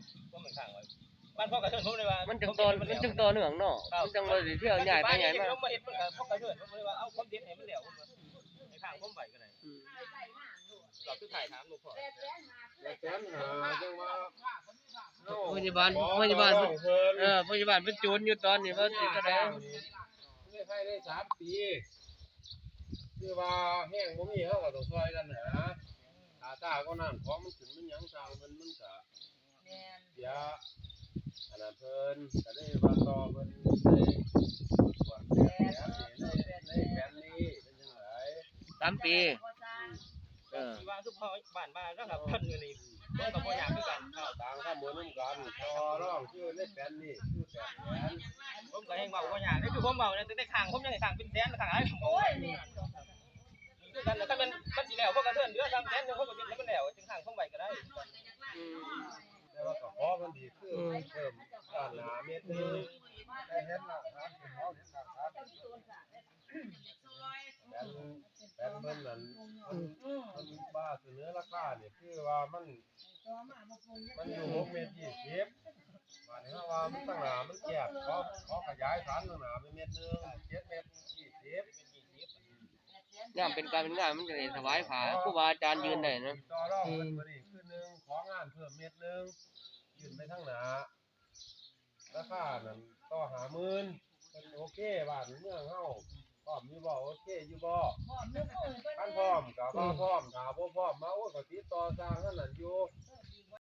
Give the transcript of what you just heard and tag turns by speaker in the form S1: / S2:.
S1: ก็เหมือนข้างไว้บ้านพ่อกระเทือนผมเลยว่า
S2: มันจังตอนมันจังตอนเหนืองเนาะมันจังบ่ได้เที่ยวใหญ่ไปใหญ่มา
S1: ผมมาเฮ็ดมันก็พ่อกระเทือนผมเลยว่าเอาความเด็ดให้มันแล้วผมให้ข้างผมไว้ก็ได้เราคือถ่ายถามลูกพ่อพยาบาลพยาบาลพยาบาลเป็นโจรอยู่ตอนนี้ว่าสิก็ได้
S3: ไม่ให้ได้3 ปีคือว่าแห้งบ่มีเฮาก็ต้องช่วยกันนะตาก็นั่นของมันขึ้นมันหยังสร้างมันก็แม่นเสียอันนั้นเพิ่นก็ได้ว่าต่อเพิ่นได้ว่าแผนนี้เป็นจังได๋
S2: 3 ปี
S1: ที่ว่าคือพ่อบ้านมาแล้วครับเพิ่นอยู่นี่ผมก็บ่อยากคือกัน
S3: ต่างข้ามบ่นำกันต่อรองชื่อในแผนนี้คือแผน
S1: ผมก็แฮงเว้าบ่อยากนี่คือผมเว้าเนี่ยแต่ข้างผมยังให้ข้างเป็นแสนข้างหลายผมโอ้ยคือกันถ้ามันสิแล้วพวกกระเทือนเดือ3แสนนึงผมก็เป็นให้มันแล้วจึงข้างผมไว้ก็ได้
S3: แต่ว่าก็ขอมันดีคือเพิ่มด้านหน้าเมตรนึงได้เห็นแล้วครับเฮาเห็นแล้วครับแผนเพิ่นนั่นมันว่าเสนอราคานี่คือว่ามันอยู่6 เมตร 20ว่านี่ว่ามันตั้งหน้ามันแคบขอขยายฐานตั้งหน้าไปเมตรนึง7 เมตร 20
S2: ยามเป็นการเป็นงานมันจะได้ถวายผ้าครูบาอาจารย์ยืนได้นะ
S3: ต่อรองมันบ่นี่คือ1ของานเพิ่มเมตรนึงยืนไปทางหน้าราคานั่นต่อ50,000เพิ่นโอเคบ้านเมืองเฮาพร้อมอยู่บ่โอเคอยู่บ่คันพร้อมก็มาพร้อมถ้าบ่พร้อมมาโอ้ก็ติดต่อสร้างนั่นนั่นอยู่